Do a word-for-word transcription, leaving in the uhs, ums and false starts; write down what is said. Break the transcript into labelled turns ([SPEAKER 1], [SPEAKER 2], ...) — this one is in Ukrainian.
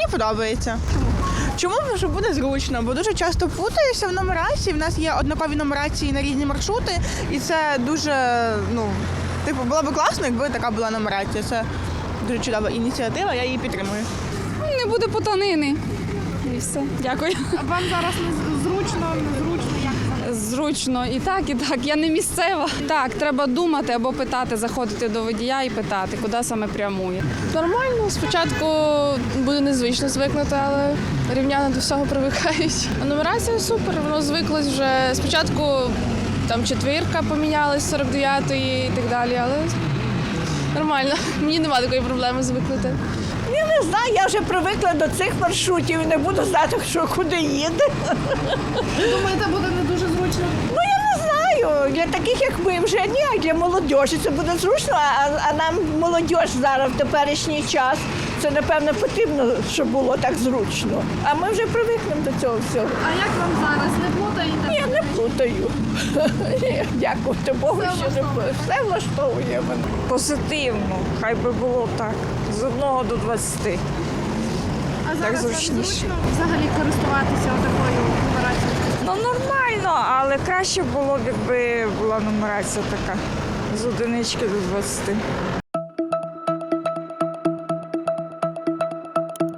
[SPEAKER 1] Мені подобається. Чому? Тому що буде зручно, бо дуже часто путаюся в нумерації. В нас є однакові нумерації на різні маршрути, і це дуже, ну, типу, було б класно, якби така була нумерація. Це дуже чудова ініціатива, я її підтримую.
[SPEAKER 2] Не буде потанини. І все. Дякую.
[SPEAKER 3] А вам зараз не зручно, незручно, як?
[SPEAKER 2] Зручно і так, і так. Я не місцева. Так, треба думати або питати, заходити до водія і питати, куди саме прямує.
[SPEAKER 4] Нормально, спочатку буде незвично звикнути, але рівняно до всього привикають. А нумерація супер, воно звиклось вже. Спочатку там четвірка помінялась, сорок дев'ятої і так далі, але нормально. Мені немає такої проблеми звикнути.
[SPEAKER 5] Я не знаю, я вже привикла до цих маршрутів і не буду знати, що куди їде.
[SPEAKER 3] Думаєте, буде не дуже зручно?
[SPEAKER 5] Ну я не знаю. Для таких, як ми, вже ні, а для молодіжі це буде зручно, а, а нам молодіж зараз в теперішній час. Це, напевно, потрібно, щоб було так зручно. А ми вже привикнемо до цього всього.
[SPEAKER 3] А як вам зараз? Не плутаєте?
[SPEAKER 5] Ні, не плутаю. Ні, дякувати Богу, що не плутаю. Все влаштовує мене.
[SPEAKER 6] Позитивно, хай би було так, з одного до двадцяти.
[SPEAKER 3] А зараз вам
[SPEAKER 6] зручніше.
[SPEAKER 3] зручно взагалі користуватися такою нумерацією?
[SPEAKER 6] Ну нормально, але краще було б, якби була нумерація така з одинички до двадцяти.